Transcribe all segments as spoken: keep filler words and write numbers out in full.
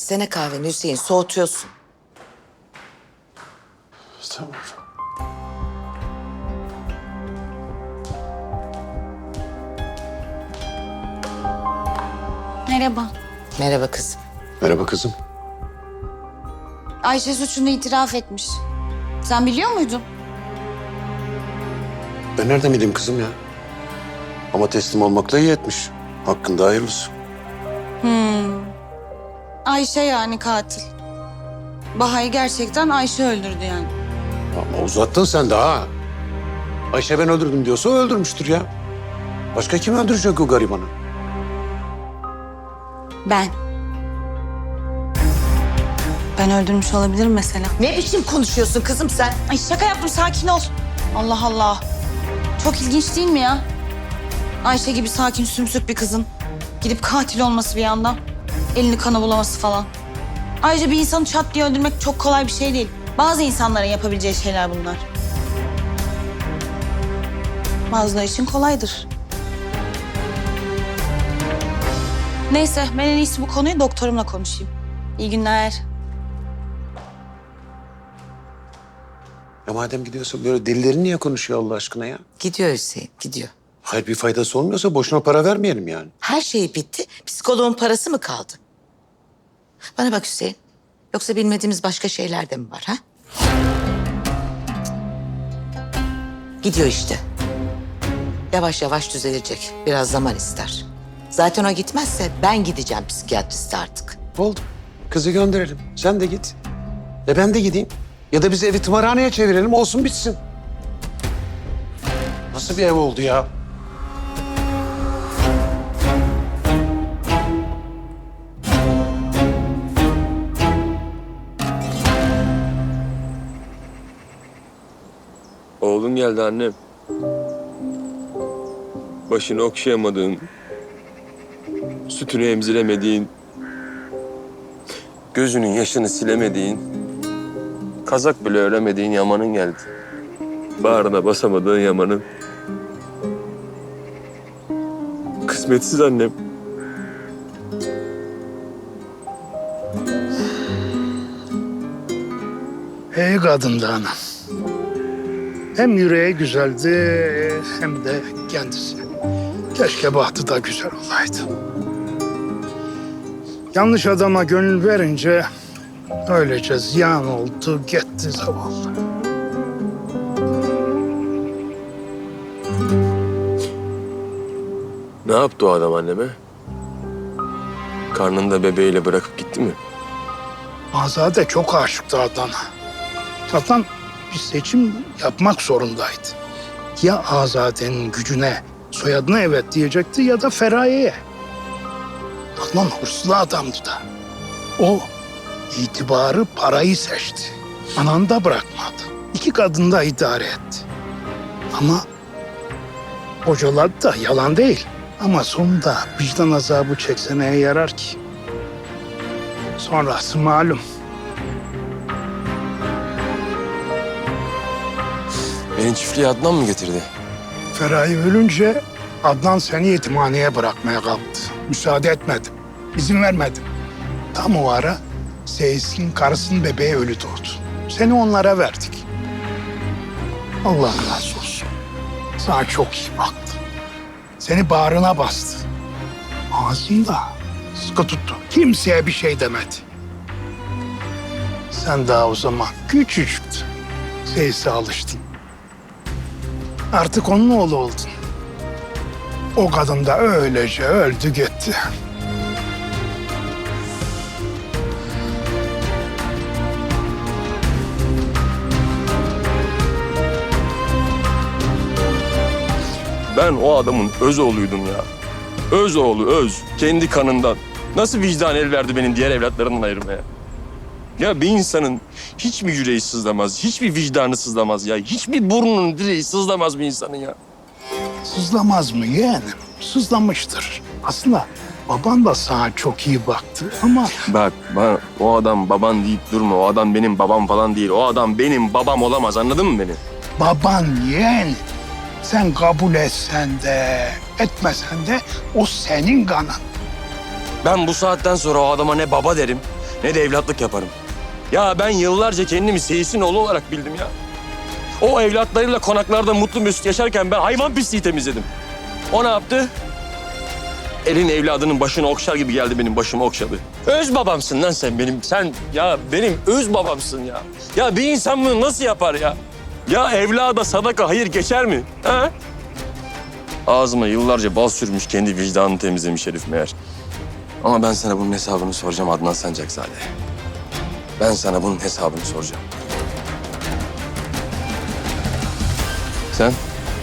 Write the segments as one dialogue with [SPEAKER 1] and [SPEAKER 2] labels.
[SPEAKER 1] İçsene kahveni Hüseyin, soğutuyorsun.
[SPEAKER 2] Tamam.
[SPEAKER 3] Merhaba.
[SPEAKER 1] Merhaba kızım.
[SPEAKER 2] Merhaba kızım.
[SPEAKER 3] Ayşe suçunu itiraf etmiş. Sen biliyor muydun?
[SPEAKER 2] Ben nereden bileyim kızım ya? Ama teslim olmakla iyi etmiş. Hakkında hayırlısı.
[SPEAKER 3] Ayşe yani katil. Baha'yı gerçekten Ayşe öldürdü yani.
[SPEAKER 2] Ama uzattın sen de ha. Ayşe ben öldürdüm diyorsa o öldürmüştür ya. Başka kim öldürecek o garibanı?
[SPEAKER 3] Ben. Ben öldürmüş olabilirim mesela.
[SPEAKER 1] Ne biçim konuşuyorsun kızım sen?
[SPEAKER 3] Ay şaka yaptım, sakin ol. Allah Allah. Çok ilginç değil mi ya? Ayşe gibi sakin sümsük bir kızın gidip katil olması bir anda. Elini kana bulaması falan. Ayrıca bir insanı çat diye öldürmek çok kolay bir şey değil. Bazı insanların yapabileceği şeyler bunlar. Bazıları için kolaydır. Neyse, ben en iyisi bu konuyu doktorumla konuşayım. İyi günler.
[SPEAKER 2] Ya madem gidiyorsa böyle delilerin niye konuşuyor Allah aşkına ya?
[SPEAKER 1] Gidiyor Hüseyin, gidiyor.
[SPEAKER 2] Hayır bir faydası olmuyorsa boşuna para vermeyelim yani.
[SPEAKER 1] Her şey bitti, psikoloğun parası mı kaldı? Bana bak Hüseyin, yoksa bilmediğimiz başka şeyler de mi var ha? Gidiyor işte. Yavaş yavaş düzelecek, biraz zaman ister. Zaten o gitmezse ben gideceğim psikiyatriste artık.
[SPEAKER 2] Oldu. Kızı gönderelim. Sen de git. E ben de gideyim. Ya da biz evi tımarhaneye çevirelim olsun bitsin. Nasıl bir ev oldu ya?
[SPEAKER 4] Oğlun geldi annem. Başını okşayamadığın, sütünü emziremediğin, gözünün yaşını silemediğin, kazak bile öremediğin Yaman'ın geldi. Bağrına basamadığın Yaman'ın. Kısmetsiz annem.
[SPEAKER 5] İyi kadındı anam. Hem yüreği güzeldi hem de kendisi. Keşke bahtı da güzel olaydı. Yanlış adama gönül verince öylece ziyan oldu gitti zavallı.
[SPEAKER 4] Ne yaptı o adam anneme? Karnında bebeğiyle bırakıp gitti mi?
[SPEAKER 5] Azade çok aşıktı Adnan'a. Adnan bir seçim yapmak zorundaydı. Ya Azade'nin gücüne, soyadına evet diyecekti ya da Feraye'ye. Adnan hırslı adamdı da. O itibarı, parayı seçti. Ananı da bırakmadı. İki kadını da idare etti. Ama bocaladı da yalan değil. Ama sonunda vicdan azabı çekse neye yarar ki? Sonrası malum.
[SPEAKER 4] Beni çiftliğe Adnan mı getirdi?
[SPEAKER 5] Feraye ölünce Adnan seni yetimhaneye bırakmaya kalktı. Müsaade etmedim. İzin vermedim. Tam o ara Seyis'in karısının bebeği ölü doğdu. Seni onlara verdik. Allah razı olsun. Sana çok iyi baktı. Seni bağrına bastı. Ağzında sıkı tuttu. Kimseye bir şey demedi. Sen daha o zaman küçücüktün. Seyis'e alıştın. Artık onun oğlu oldun. O kadın da öylece öldü gitti.
[SPEAKER 4] Ben o adamın öz oğluydum ya. Öz oğlu, öz. Kendi kanından. Nasıl vicdan el verdi benim diğer evlatlarımdan ayırmaya? Ya bir insanın hiçbir yüreği sızlamaz, hiçbir vicdanı sızlamaz ya. Hiçbir burnunun direği sızlamaz bir insanın ya.
[SPEAKER 5] Sızlamaz mı yeğenim? Sızlamıştır. Aslında baban da sana çok iyi baktı ama
[SPEAKER 4] Bak, bana o adam baban deyip durma. O adam benim babam falan değil. O adam benim babam olamaz, anladın mı beni?
[SPEAKER 5] baban yeğen. Sen kabul etsen de etmesen de o senin kanın.
[SPEAKER 4] Ben bu saatten sonra o adama ne baba derim, ne de evlatlık yaparım. Ya ben yıllarca kendimi Seyis'in oğlu olarak bildim ya. O evlatlarıyla konaklarda mutlu mesut yaşarken ben hayvan pisliği temizledim. O ne yaptı? Elin evladının başını okşar gibi geldi benim başımı okşadı. Öz babamsın lan sen benim. Sen ya benim öz babamsın ya. Ya bir insan bunu nasıl yapar ya? Ya evlada sadaka hayır geçer mi? Ha? Ağzıma yıllarca bal sürmüş, kendi vicdanını temizlemiş herif meğer. Ama ben sana bunun hesabını soracağım Adnan Sancakzade. Ben sana bunun hesabını soracağım. Sen?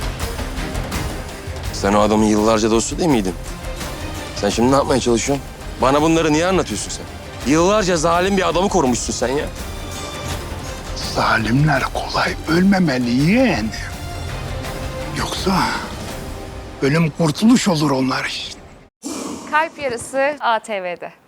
[SPEAKER 4] Sen o adamın yıllarca dostu değil miydin? Sen şimdi ne yapmaya çalışıyorsun? Bana bunları niye anlatıyorsun sen? Yıllarca zalim bir adamı korumuşsun sen ya.
[SPEAKER 5] Zalimler kolay ölmemeli yeğenim. Yoksa ölüm kurtuluş olur onlar için.
[SPEAKER 6] Kalp Yarısı A T V'de.